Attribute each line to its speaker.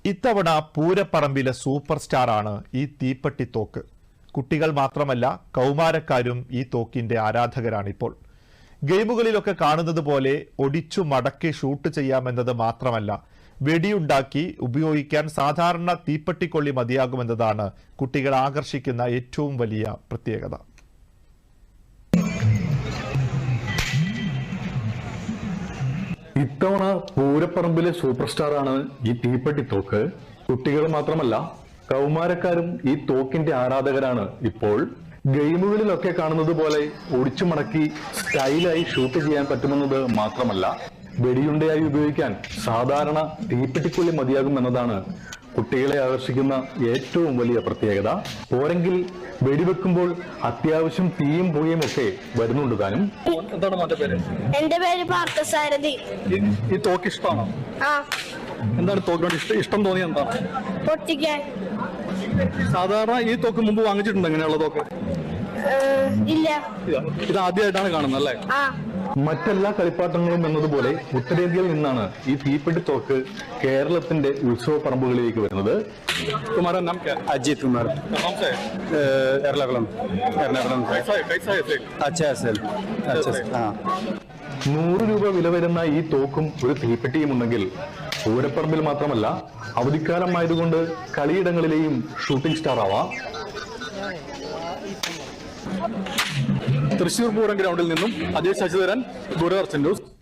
Speaker 1: ഇത്തവണ പൂരപ്പറമ്പിലെ സൂപ്പർ സ്റ്റാറാണ് ഈ തീപ്പെട്ടിത്തോക്ക്. കുട്ടികൾ മാത്രമല്ല, കൗമാരക്കാരും ഈ തോക്കിന്റെ ആരാധകരാണിപ്പോൾ. ഗെയിമുകളിലൊക്കെ കാണുന്നത് പോലെ ഒടിച്ചു മടക്കി ഷൂട്ട് ചെയ്യാമെന്നത് മാത്രമല്ല, വെടിയുണ്ടാക്കി ഉപയോഗിക്കാൻ സാധാരണ തീപ്പെട്ടിക്കൊള്ളി മതിയാകുമെന്നതാണ് കുട്ടികളെ ആകർഷിക്കുന്ന ഏറ്റവും വലിയ പ്രത്യേകത.
Speaker 2: ഇത്തവണ പൂരപ്പറമ്പിലെ സൂപ്പർ സ്റ്റാറാണ് ഈ തീപ്പെട്ടിത്തോക്ക്. കുട്ടികൾ മാത്രമല്ല, കൗമാരക്കാരും ഈ തോക്കിന്റെ ആരാധകരാണ് ഇപ്പോൾ. ഗെയിമുകളിലൊക്കെ കാണുന്നത് പോലെ ഒടിച്ചു മടക്കി സ്റ്റൈലായി ഷൂട്ട് ചെയ്യാൻ പറ്റുമെന്നത് മാത്രമല്ല, വെടിയുണ്ടയായി ഉപയോഗിക്കാൻ സാധാരണ തീപ്പെട്ടിക്കൊള്ളി മതിയാകുമെന്നതാണ് കുട്ടികളെ ആകർഷിക്കുന്ന ഏറ്റവും വലിയ പ്രത്യേകത. പോരെങ്കിൽ വെടിവെക്കുമ്പോൾ അത്യാവശ്യം തീയും പുകയും ഒക്കെ വരുന്നുണ്ട് താനും.
Speaker 3: എന്താണ് മോന്റെ പേര്?
Speaker 4: എന്റെ പേര് പാർത്ഥസാരഥി.
Speaker 3: ഈ തോക്ക് ഇഷ്ടമാണോ? എന്താണ് തോക്കിനോട് ഇഷ്ടം തോന്നിയത്? എന്താണ്?
Speaker 4: പൊട്ടിക്കാൻ.
Speaker 3: സാധാരണ ഈ തോക്ക് മുമ്പ് വാങ്ങിച്ചിട്ടുണ്ട്? എങ്ങനെയുള്ള തോക്ക്?
Speaker 4: ഇല്ല.
Speaker 3: ഇത് ആദ്യമായിട്ടാണ് കാണുന്നത് അല്ലേ?
Speaker 2: മറ്റെല്ലാ കളിപ്പാട്ടങ്ങളും എന്നതുപോലെ ഉത്തരേന്ത്യയിൽ നിന്നാണ് ഈ തീപ്പെട്ടിത്തോക്ക് കേരളത്തിന്റെ ഉത്സവ പറമ്പുകളിലേക്ക് വരുന്നത്.
Speaker 3: तुम्हारा नाम क्या?
Speaker 5: अजीत कुमार,
Speaker 3: कहाँ से?
Speaker 5: एर्नाकुलम।
Speaker 3: कैसा है?
Speaker 5: अच्छा है सर, अच्छा हाँ।
Speaker 2: 100 രൂപ വില വരുന്ന ഈ തോക്കും ഒരു തീപ്പെട്ടിയും ഉണ്ടെങ്കിൽ പൂരപ്പറമ്പിൽ മാത്രമല്ല, അവധിക്കാലമായതുകൊണ്ട് കളിയിടങ്ങളിലെയും ഷൂട്ടിംഗ് സ്റ്റാർ ആവാം.
Speaker 3: തൃശൂർ പൂരം ഗ്രൗണ്ടിൽ നിന്നും അജയ് ശശിധരൻ, ദൂരദർശൻ ന്യൂസ്.